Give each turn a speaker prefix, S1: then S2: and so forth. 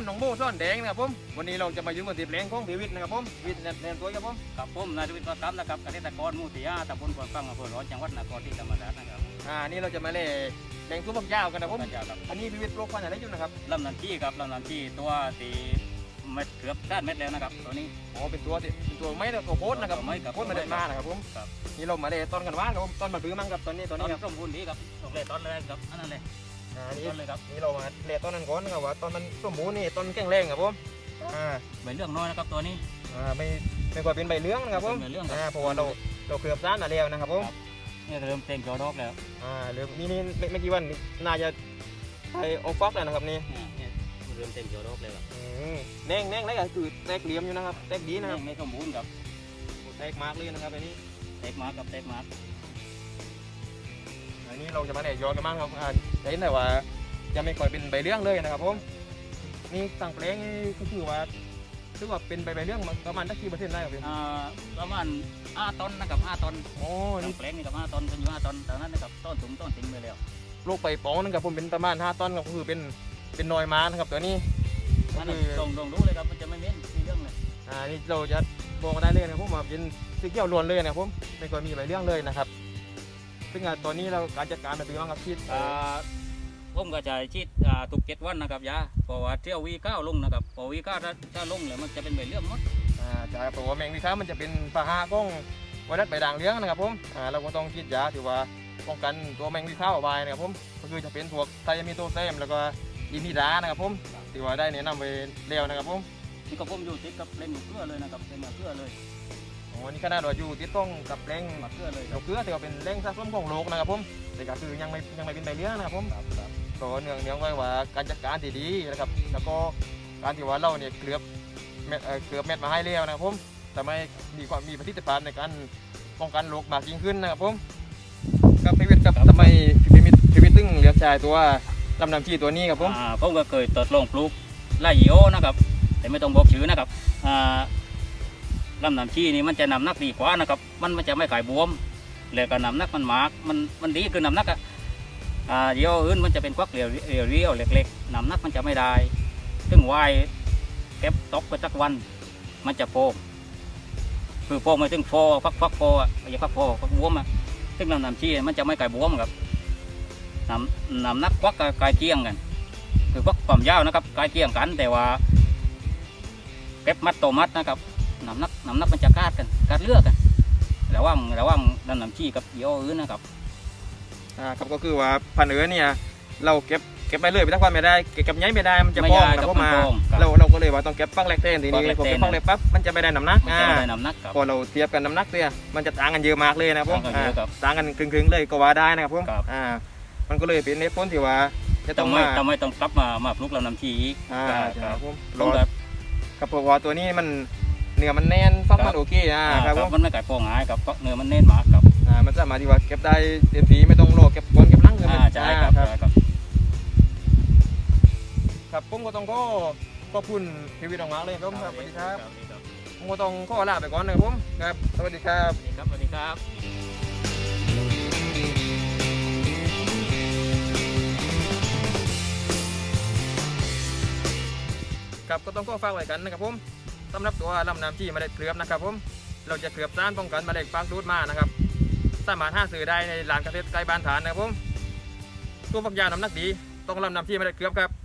S1: น้องโบ้ซ่อนแดงนะครับผมวันนี้เราจะมาอยู่กันที่แปลงของพีวิทย์นะครับผมวิทย์แนนตัวครับผม
S2: กับผมนายทวิทย์ประกับนะครับเกษตรกรหมู่ที่5ตำบลปอนฟังอำเภอร้อนจังหวัดนครศรีธรรมราชนะครับ
S1: นี่เราจะมาเล่แดงซุ้มผักยาวกันนะผม
S2: ครับ
S1: อันนี้พีวิทย์โรคพันธุ์อะไรอยู่นะครับ
S2: ลำน้ำจี้ครับลำน้ำจี้ตัวตีเม็ดเกือบด้านเม็ดแล้วนะครับตัวนี้
S1: เป็นตัวไม้ตัวโคตรนะครับโคตรมาเดินมานะครับผมนี่เรามาเล่ต้นกันว่านครับผมต้นมาบื้อมั่งครับตอนนี้ครับ
S2: สมบูรณ์ดีครับตกเลยต้นเลยครับอันนั้นเลย
S1: นี่
S2: ต้นเลยครับ
S1: นี่เรามาเล่ต้นนั้นก่อนนะครับว่าต้นมันสมบูรณ์นี่ต้นแข็งแรงครับผม
S2: ใบเรื่องน้อยนะครับตัวนี้
S1: ไม่กว่าเป็นใบเลื้องนะครับผมเพราะว่าเราเกือบด้านมาแล้วนะครับผม
S2: นี่เริ่มเต็มจอดอกแล้ว
S1: เริ่มนี่ไม่กี่วันน่าจะไปออกฟักแล้วนะครับนี่
S2: เริ่มเต็มจอดอกเลยครับ
S1: แดงแล้วก็คือแตกเหลี่ยมอยู่นะครับแตกดีนะครับ
S2: ไม่สมบูรณ์ครับ
S1: แตกมากเลยนะครับอันนี้
S2: แตกมากกับแตกมาก
S1: อันนี้เราจะมาแดดย้อนกันบ้างครับจะเห็นได้ว่าจะไม่ค่อยเป็นใบเลี้ยงเลยนะครับผมนี่ต่างแปลงก็คือว่าเป็นใบเลี้ยงประมาณกี่เปอร์เซ็นต์ได้ครับพี่
S2: ประมาณ5 ต้นนะครับ5 ต้น
S1: นี่
S2: แปลงนี่กับ5 ต้นเป็นอยู่5 ต้นแต่นั้นนะครับต้นถุงต้นทิ้งไปแล้ว
S1: ลูกใบปองนั่นครับผมเป็นประมาณ5 ต้นก็คือเป็นนอยม้านะครับตัวนี้
S2: ก็คือลงรู้เลยครับมันจะไม่เม้นมีเรื่องเลย
S1: นี่เราจะบอกได้เลยนะผมว่าเป็นสีเขียวล้วนเลยนะครับผมไม่ค่อยมีใบเลี้ยงเลยนะครับซึ่งตอนนี้เราการจัดการเป็นยังไงครับชีด
S2: ผมก็จะชีดทุก7 วันนะครับยาเพราะว่าเที่ยววี9ลงนะครับพอวี9ถ้าลงเลยมันจะเป็นใบเลี้ยงหมด
S1: ใช่เพราะว่าแมงวีค้ามันจะเป็นปะหะของไวรัสใบด่างเลี้ยงนะครับผมเราก็ต้องฉีดยาถือว่าป้องกันตัวแมงวีค้าเอาไว้นะครับผมก็คือจะเป็นพวกไทยามีโตแซมแล้วก็อินทิดานะครับผมถือว่าได้แนะนำไปเร็วนะครับผม
S2: นี่ก็ผมอยู่ติดกับเล่นเกลือเลยนะครับเล่นเกลือเลย
S1: นี่ขนาดว่าอยู่ติดต้องกับแรง
S2: เกลือเลย
S1: เกลือถือว่าเป็นแรงสะสมของโลกนะครับผมแต่ก็คือยังไม่เป็นใบเลี้ยงนะครับผมก็เนื่องไว้ว่าการจัดการดีๆนะครับแล้วก็การที่ว่าเราเนี่ยเกลือบเม็ดมาให้เร็วนะครับผมทำให้มีประสิทธิภาพในการป้องกันโรคมากยิ่งขึ้นนะครับผมกับพิวิทย์ครับทำไมพิวิทย์ตึงเลือกใช้ตัวลำน้ำชีตัวนี้ครับ
S2: ผมก็เคยทดลองปลูกไล่โอนะครับแต่ไม่ต้องบอกชื่อนะครับลำน้ำชีนี่มันจะนำนักดีกว่านะครับมันจะไม่ขายบวมเลยก็นำนักมันมากมันดีคือน้ำนักเดี๋ยวอื่นมันจะเป็นควักเรียวเล็กๆนำนักมันจะไม่ได้ซึ่งวายเก็บตกไปสักวันมันจะโฟคือโฟไม่ถึงโฟฟักโฟอย่าฟักโฟฟักบวมซึ่งลำน้ำชีมันจะไม่ขายบวมครับนำนักควักกายเกี้ยงกันคือควักความยาวนะครับกายเกี้ยงกันแต่ว่าเก็บมัดโตมัดนะครับน้ำหนักมันจะกาดเลือกกันระว่างน้ำชี้กับเยี่ยวอื่นนะครับ
S1: ครับก็คือว่าพันธุ์เนี่ยเราเก็บไปเลยไปทั้งวันไม่ได้เก็บย้ายไม่ได้มันจะพองเพราะมาเราก็เลยว่าต้องเก็บฟักแรกเต้นทีนี้พอเก็บฟักแรกปั๊บมันจะไม่ได้น้ำหนักพอเราเทียบกันน้ำหนักเนี่ยมันจะต่างกันเยอะมากเลยนะผมต่างกันครึ่งเลยก็ว่าได้นะครับผมมันก็เลยเป็นเหตุผลที่ว่า
S2: จะต้องไม่ต้องกลับมาปลูกลำน้ำชี้อีก
S1: ครับผมกับเพราะว่าตัวนี้มันเนื้อมันแน่นฟักมันโอเค
S2: ครับมันไม่ไก่ฟองง่ายกับเนื้อมันแน่นมากครับ
S1: มันสามารถที่ว่าเก็บได้เต็มที่ไม่ต้องรอเก็บก้นเก็บลังเลย
S2: ใช่
S1: ครับผมก็ต้องขอบคุณพีวิทย์ออกมาเลยครับสวัสดีครับผมก็ต้องขอลาไปก่อนนะครับผมครับสวัสดีครับ
S2: สวัสดีครับ
S1: ครับก็ต้องขอฝากไว้กันนะครับผมสำหรับตัวลำน้ำชีเมล็ดเกลือบนะครับผมเราจะเกลือบต้านป้องกันเมล็ดฟางดูดมานะครับสามารถหาซื้อได้ในร้านเกษตรใกล้บ้านฐานนะครับผมตัวฝักยาวน้ำหนักดีต้องลำน้ำชีเมล็ดเกลือบครับ